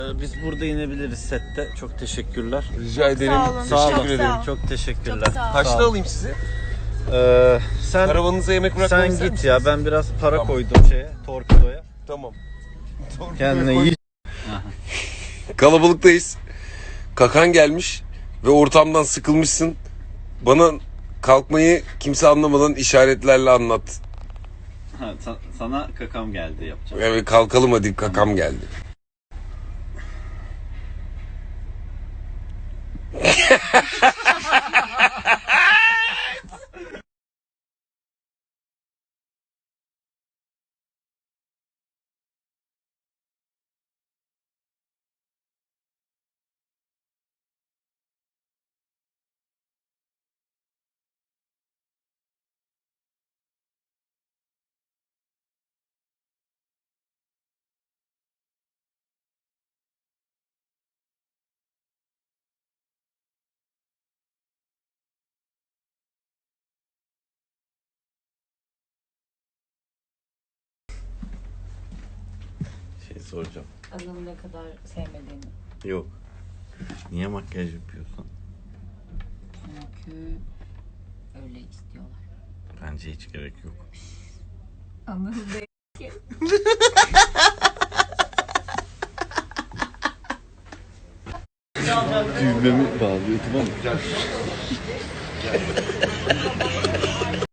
Biz burada inebiliriz sette. Çok teşekkürler. Rica ederim. Sağ olun. Teşekkür ederim. Çok teşekkürler. Çok sağ olun. Kaçta alayım sizi? Sen Karavanınıza yemek bırakmayı sen ister git misiniz? ya. Ben biraz para Tamam. koydum torpidoya. Tamam. Kendine iyi. Kalabalıktayız. Kakan gelmiş ve ortamdan sıkılmışsın. Bana kalkmayı kimse anlamadan işaretlerle anlat. Sana kakam geldi yapacağım. Evet, kalkalım hadi, kakam geldi. Soracağım. Adamı ne kadar sevmediğini. Yok. Niye makyaj yapıyorsun? Çünkü öyle istiyorlar. Bence hiç gerek yok. Anladın değil. Düğmemi bağlıyordum ama.